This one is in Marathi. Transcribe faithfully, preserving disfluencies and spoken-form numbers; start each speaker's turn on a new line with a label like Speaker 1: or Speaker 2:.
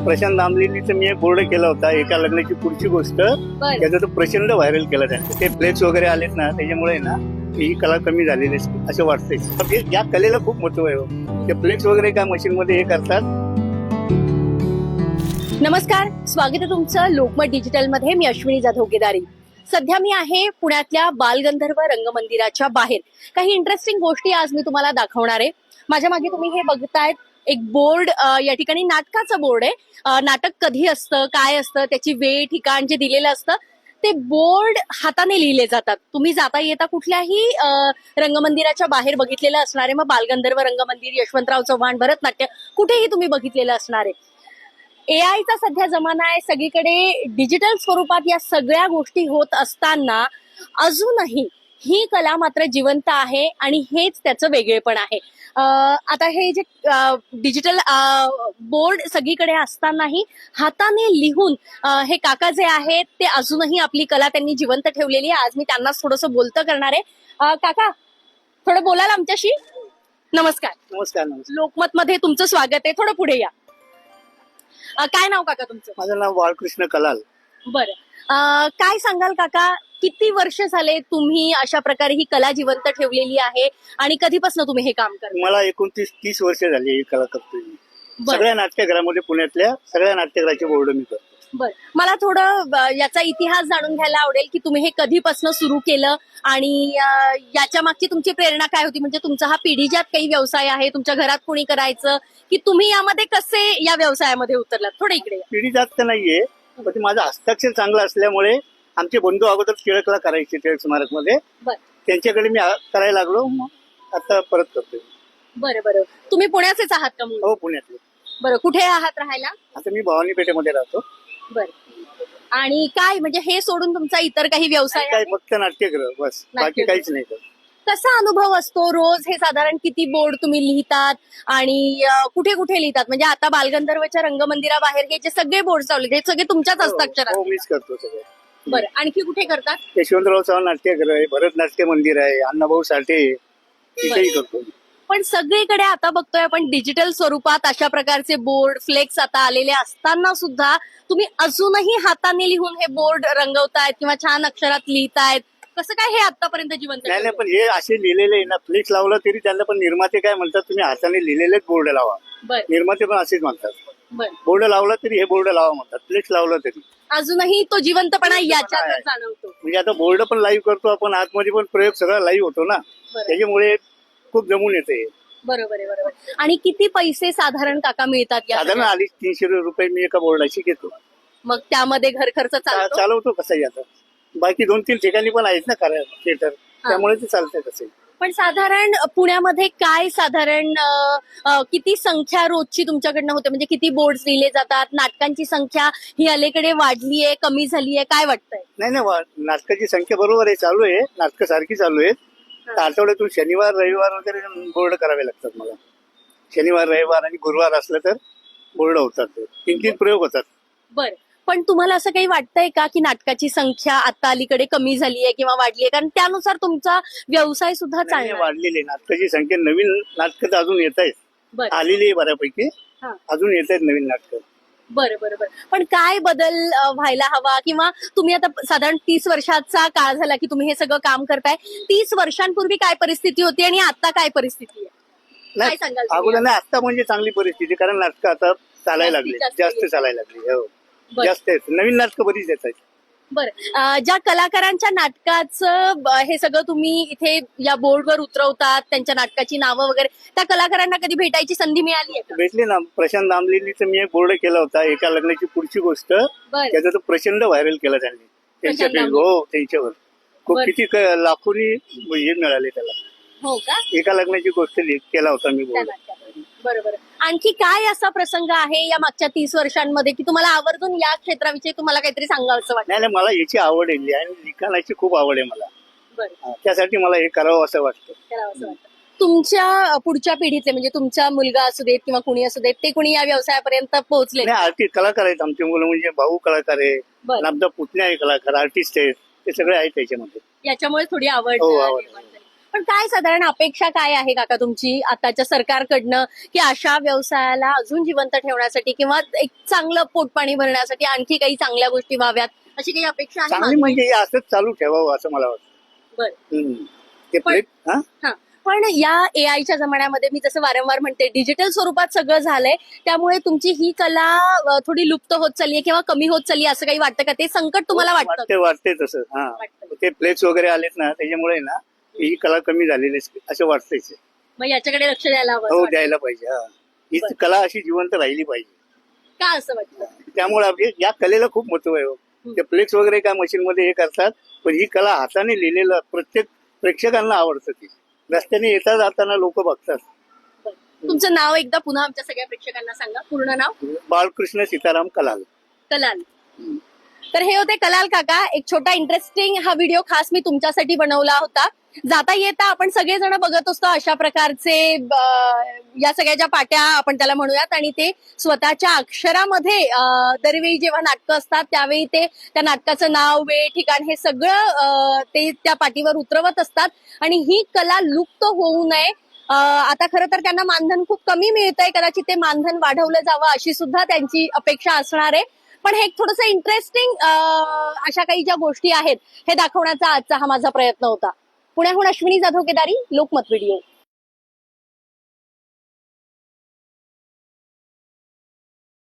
Speaker 1: प्रशांत दामलेनीचं मी एक बोर्ड केला होता एका लग्नाची पुढची गोष्ट. त्याचा तो प्रचंड व्हायरल केला त्यांनी. ते फ्लेक्स वगैरे आलेत ना, त्याच्यामुळे ना ही कला कमी झालेली असते असं वाटतंय. या कलेला खूप महत्व आहे. ते फ्लेक्स वगैरे काय मशीन मध्ये हे करतात.
Speaker 2: नमस्कार, स्वागत आहे तुमचं लोकमत डिजिटल मध्ये. मी अश्विनी जाधव केदारी. सध्या मी आहे पुण्यातल्या बालगंधर्व रंगमंदिराच्या बाहेर. काही इंटरेस्टिंग गोष्टी आज मी तुम्हाला दाखवणार आहे. माझ्या मागे तुम्ही हे बघतायत एक बोर्ड. या ठिकाणी नाटकाचं बोर्ड आहे. नाटक कधी असतं, काय असतं, त्याची वेळ ठिकाण जे दिलेलं असतं ते बोर्ड हाताने लिहिले जातात. तुम्ही जाता येता कुठल्याही रंगमंदिराच्या बाहेर बघितलेलं असणार आहे. मग बालगंधर्व रंगमंदिर, यशवंतराव चव्हाण भरतनाट्य, कुठेही तुम्ही बघितलेलं असणार आहे. ए आयचा सध्या जमाना आहे. सगळीकडे डिजिटल स्वरूपात या सगळ्या गोष्टी होत असताना अजूनही ही कला मात्र जिवंत आहे आणि हेच त्याचं वेगळेपण आहे. आता हे जे डिजिटल बोर्ड सगळीकडे असतानाही हाताने लिहून हे काका जे आहेत ते अजूनही आपली कला त्यांनी जिवंत ठेवलेली आहे. आज मी त्यांनाच थोडंसं बोलतं करणार आहे. काका, थोडं बोलाल आमच्याशी? नमस्कार.
Speaker 1: नमस्कार. नमस्कार.
Speaker 2: लोकमत मध्ये तुमचं स्वागत आहे. थोडं पुढे या. काय नाव काका तुमचं?
Speaker 1: माझं नाव बाळकृष्ण कलाल.
Speaker 2: बरं, काय सांगाल काका, किती वर्ष झाले तुम्ही अशा प्रकारे ही कला जिवंत ठेवलेली आहे आणि कधीपासून तुम्ही हे काम करता?
Speaker 1: मला एकोणतीस तीस वर्ष झाली ही कला करतोय. सगळ्या नाट्यगृहामध्ये, पुण्यातल्या सगळ्या नाट्यगृहाचे बोर्ड मी करतो.
Speaker 2: बर, मला थोडं याचा इतिहास जाणून घ्यायला आवडेल की तुम्ही हे कधीपासून सुरू केलं आणि याच्या मागची तुमची प्रेरणा काय होती. म्हणजे तुमचा हा पिढीजात काही व्यवसाय आहे, तुमच्या घरात कोणी करायचं, की तुम्ही यामध्ये कसे या व्यवसायामध्ये उतरलात? थोडं इकडे.
Speaker 1: पिढीजात तर नाहीये, पण ते माझं हस्ताक्षर चांगलं असल्यामुळे आमचे बंधू अगोदर टिळकला करायचे, टिळक स्मारक मध्ये. त्यांच्याकडे मी करायला लागलो, मग आता परत करतोय.
Speaker 2: बरं बरं, तुम्ही पुण्याचेच आहात का?
Speaker 1: हो, पुण्यातले.
Speaker 2: बरं, कुठे आहात राहायला?
Speaker 1: आता मी भवानी पेठेमध्ये राहतो.
Speaker 2: बर, आणि काय म्हणजे हे सोडून तुमचा इतर काही व्यवसाय?
Speaker 1: काय, फक्त नाट्यगृह बस, बाकी काहीच नाही.
Speaker 2: कसा अनुभव असतो रोज? हे साधारण किती बोर्ड तुम्ही लिहितात आणि कुठे कुठे लिहितात? म्हणजे आता बालगंधर्वच्या रंगमंदिराबाहेर हे जे सगळे बोर्ड चालले हे सगळे तुमच्याच हस्ताक्षरात?
Speaker 1: हो, मीच करतो सगळे.
Speaker 2: बरं, आणखी कुठे करतात?
Speaker 1: यशवंतराव चव्हाण नाट्यगृह आहे, भरतनाट्य मंदिर आहे, अण्णाभाऊ साठे, तिथेही करतो.
Speaker 2: पण सगळीकडे आता बघतोय आपण डिजिटल स्वरूपात अशा प्रकारचे बोर्ड, फ्लेक्स आता आलेले असताना सुद्धा तुम्ही अजूनही हाताने लिहून हे बोर्ड रंगवतायत किंवा छान अक्षरात लिहितायत. कसं काय हे आतापर्यंत जिवंत?
Speaker 1: नाही नाही, पण हे असे लिहिलेले आहे ना, फ्लेक्स लावला तरी त्यांना पण निर्माते काय म्हणतात, तुम्ही हाताने लिहिलेलेच बोर्ड लावा. निर्माते पण असेच म्हणतात. बोर्ड लावला तरी हे बोर्ड लावा म्हणतात, फ्लेक्स लावला तरी
Speaker 2: अजूनही तो जिवंतपणा याच्यात जाणवतो.
Speaker 1: म्हणजे आता बोर्ड पण लाईव्ह करतो आपण, आतमध्ये पण प्रयोग सगळा लाईव्ह होतो ना, त्याच्यामुळे खूप जमून येते.
Speaker 2: बरोबर आहे, बरोबर. आणि किती पैसे साधारण काका मिळतात?
Speaker 1: साधारण अडीच तीनशे रुपये मी एका बोर्डाची घेतो.
Speaker 2: मग त्यामध्ये घर खर्च
Speaker 1: चालवतो कसं आता. बाकी दोन तीन ठिकाणी पण आहेत ना थिएटर, त्यामुळे ते चालतंय कसं.
Speaker 2: पण साधारण पुण्यामध्ये काय साधारण किती संख्या रोजची तुमच्याकडनं होते? म्हणजे किती बोर्ड लिहिले जातात? नाटकांची संख्या ही अलीकडे वाढली आहे, कमी झाली आहे, काय वाटतंय?
Speaker 1: नाही नाही, नाटकाची संख्या बरोबर आहे, चालू आहे. नाटकं सारखी चालू आहेत. आठवड्यातून शनिवार रविवार वगैरे बोर्ड करावे लागतात मला. शनिवार रविवार आणि गुरुवार असलं तर बोर्ड होतात, तीन तीन प्रयोग होतात. बरं,
Speaker 2: पण तुम्हाला असं काही वाटतंय का की नाटकाची संख्या आता अलीकडे कमी झाली आहे किंवा वाढली आहे? कारण त्यानुसार तुमचा व्यवसाय सुद्धा चांगला
Speaker 1: वाढलेली आहे. नाटकाची संख्या, नवीन नाटकं तर अजून येत आहेत, आलेली आहे बऱ्यापैकी, अजून येत आहेत नवीन नाटकं.
Speaker 2: बरं बरं बरं, पण काय बदल व्हायला हवा? किंवा तुम्ही आता साधारण तीस वर्षाचा काळ झाला की तुम्ही हे सगळं काम करताय. तीस वर्षांपूर्वी काय परिस्थिती होती आणि आता काय परिस्थिती आहे? काय सांगाल?
Speaker 1: अगोदर नाही, आता म्हणजे चांगली परिस्थिती, कारण नाटकं आता चालायला लागली, जास्त चालायला लागली. हो, जास्त आहेत, नवीन नाटकं बरीच येत आहेत.
Speaker 2: बरं, ज्या कलाकारांच्या नाटकाचं हे सगळं तुम्ही इथे या बोर्डवर उतरवतात, त्यांच्या नाटकाची नावं वगैरे, त्या कलाकारांना कधी भेटायची संधी मिळाली आहे?
Speaker 1: भेटली ना. प्रशांत दामलेनीचं मी एक बोर्ड केला होता एका लग्नाची पुढची गोष्ट. त्याचा तो प्रचंड व्हायरल केला त्यांनी त्यांच्या. हो, त्यांच्यावर खूप किती लाखोनी हे मिळाले त्याला.
Speaker 2: हो का?
Speaker 1: एका लग्नाची गोष्ट केला होता मी बोर्ड.
Speaker 2: बरोबर. आणखी काय असा प्रसंग आहे या मागच्या तीस वर्षांमध्ये की तुम्हाला आवर्जून या क्षेत्राविषयी तुम्हाला काहीतरी सांगावं वाटतं?
Speaker 1: नाही, मला याची आवड आहे आणि लिखाणाची खूप आवड आहे मला. त्यासाठी मला हे करावं असं वाटतं.
Speaker 2: तुमच्या पुढच्या पिढीतले म्हणजे तुमचा मुलगा असू देत किंवा कुणी असू देत, ते कुणी या व्यवसायापर्यंत पोहोचले?
Speaker 1: आर्टिस्ट कलाकार आहेत आमचे मुलं, म्हणजे भाऊ कलाकार आहे, नामदा पुतण्या आहे कलाकार, आर्टिस्ट आहेत, ते सगळे आहेत त्याच्यामध्ये.
Speaker 2: याच्यामुळे थोडी आवड. पण काय साधारण अपेक्षा काय आहे काका तुमची आताच्या सरकारकडनं की अशा व्यवसायाला अजून जिवंत ठेवण्यासाठी किंवा एक चांगलं पोटपाणी भरण्यासाठी आणखी काही चांगल्या गोष्टी व्हाव्यात अशी काही अपेक्षा आहे
Speaker 1: चांगली
Speaker 2: मागे?
Speaker 1: म्हणजे हे असंच चालू ठेवावं असं मला वाटतं.
Speaker 2: बरं.
Speaker 1: हम्म. ते
Speaker 2: पण-
Speaker 1: प्लेट हा
Speaker 2: हा पण या ए आयच्या जमान्यामध्ये मी जसं वारंवार म्हणते डिजिटल स्वरूपात सगळं झालंय त्यामुळे तुमची ही कला अ, थोडी लुप्त होत चालली किंवा कमी होत चालली असं काही वाटतं का ते संकट तुम्हाला वाटतं
Speaker 1: वाटते वाटते तसं हा
Speaker 2: वाटतं.
Speaker 1: ते प्लेट्स वगैरे आलेत ना त्याच्यामुळे ना ही कला कमी झालेली असते असं वाटतंच.
Speaker 2: मग याच्याकडे लक्ष द्यायला हवं असं
Speaker 1: हो
Speaker 2: वाटतं.
Speaker 1: द्यायला पाहिजे हा ही
Speaker 2: बरं.
Speaker 1: कला अशी जिवंत राहिली पाहिजे.
Speaker 2: का असं वाटतं?
Speaker 1: त्यामुळे आपली या कलेला खूप महत्व आहे हो.
Speaker 2: हम्म.
Speaker 1: ते फ्लेक्स वगैरे काय मशीन मध्ये हे करतात पण ही कला हाताने लिहिलेलं प्रत्येक प्रेक्षकांना आवडतं ती. रस्त्याने येता जाताना लोक बघतात.
Speaker 2: तुमचं नाव एकदा पुन्हा आमच्या सगळ्या प्रेक्षकांना सांगा पूर्ण नाव.
Speaker 1: बाळकृष्ण सीताराम कलाल.
Speaker 2: कलाल. तर हे होते कलाल काका. एक छोटा इंटरेस्टिंग हा व्हिडिओ खास मी तुमच्यासाठी बनवला होता. जाता येता आपण सगळेजण बघत असतो अशा प्रकारचे अं, या सगळ्या ज्या पाट्या आपण त्याला म्हणूयात आणि ते स्वतःच्या अक्षरामध्ये अं, दरवेळी जेव्हा नाटकं असतात त्यावेळी ते त्या नाटकाचं नाव वेळ ठिकाण हे सगळं अं, ते त्या पाटीवर उतरवत असतात आणि ही कला लुप्त होऊ नये. अं, आता खरं तर त्यांना मानधन खूप कमी मिळतंय कदाचित ते मानधन वाढवलं जावं अशी सुद्धा त्यांची अपेक्षा असणार आहे. पण हे एक थोडंसं इंटरेस्टिंग अशा काही ज्या गोष्टी आहेत हे दाखवण्याचा आजचा हा माझा प्रयत्न होता. पुण्याहून अश्विनी जाधव केदारी, लोकमत व्हिडिओ.